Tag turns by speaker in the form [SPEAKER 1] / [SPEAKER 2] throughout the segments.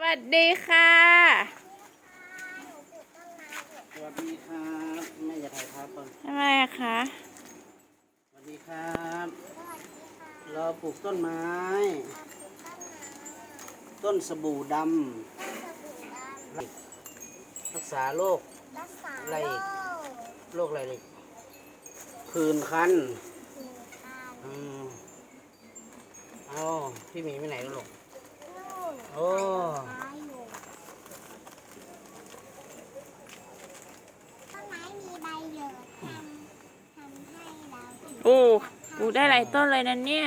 [SPEAKER 1] วัสดีค่ะ
[SPEAKER 2] สวัสดีครับแม่อย่าถ่ายภาพก่อน
[SPEAKER 1] ทำไมอะคะ
[SPEAKER 2] สวัสดีครับเราปลูกต้นไม้ต้นสบู่ดำรักษาโรคอะไรอีกโรคอะไรอีกผื่นคันเอาพี่หมีไปไหนกันลูกโอ้
[SPEAKER 3] ต้นไม้มีใบเหลืองทำให้เรา
[SPEAKER 1] โอ้ปลูกได้หลายต้นเลยนะเนี่ย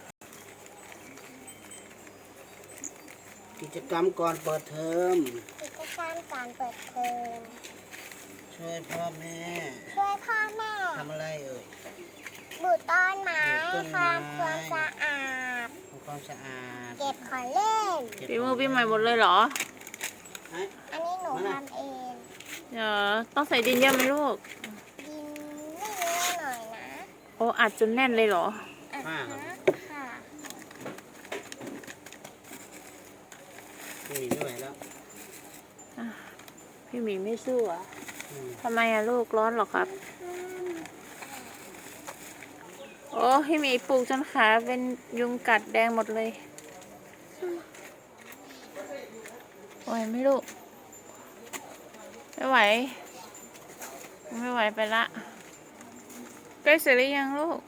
[SPEAKER 2] กิจกรรมก่อนเปิดเทอม
[SPEAKER 3] กิจกรรมการเปิดเทอม
[SPEAKER 2] ช่วยพ่อแม่
[SPEAKER 3] ช่วยพ่อแม่
[SPEAKER 2] ทำอะไรเอ่ย
[SPEAKER 3] ปลูกต้นไม้ทำความสะอาด
[SPEAKER 2] ทำความสะอาด
[SPEAKER 3] เก็บของเล่น
[SPEAKER 1] ปีมือปีใหม่หมดเลยเหรอ
[SPEAKER 3] อันนี้หนูทำเอง
[SPEAKER 1] เดี๋ยวต้องใส่ดินเยอะไหมลูก
[SPEAKER 3] ดินไม่เยอะหน่อยนะ
[SPEAKER 1] โอ้อัดจนแน่นเลยเหรอ
[SPEAKER 3] ค่ะ
[SPEAKER 2] ไม่มีไม่ไหวแล้ว
[SPEAKER 1] พี่หมีไม่สู้อ่ะทำไมอะลูกร้อนหรอครับโอ้พี่หมีปลูกจนขาเป็นยุงกัดแดงหมดเลยไหวไหมลูกไม่ไหวไม่ไหวไปละใกล้เสร็จหรือยังลูก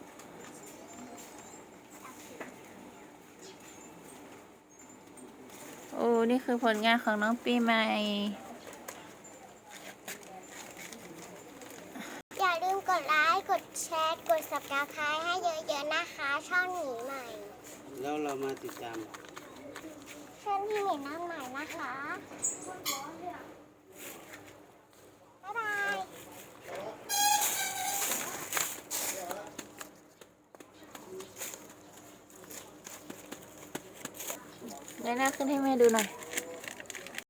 [SPEAKER 1] โอ้นี่คือผลงานของน้องปีใหม่
[SPEAKER 3] อย่าลืมกดไลค์กดแชร์กด Subscribe ให้เยอะๆนะคะช่องหมีใหม่
[SPEAKER 2] แล้วเรามาติดตาม
[SPEAKER 3] เชิญพี่หมีน้องใหม่นะคะบ๊ายบาย
[SPEAKER 1] ได้หน้าขึ้นให้แม่ดูหน่อย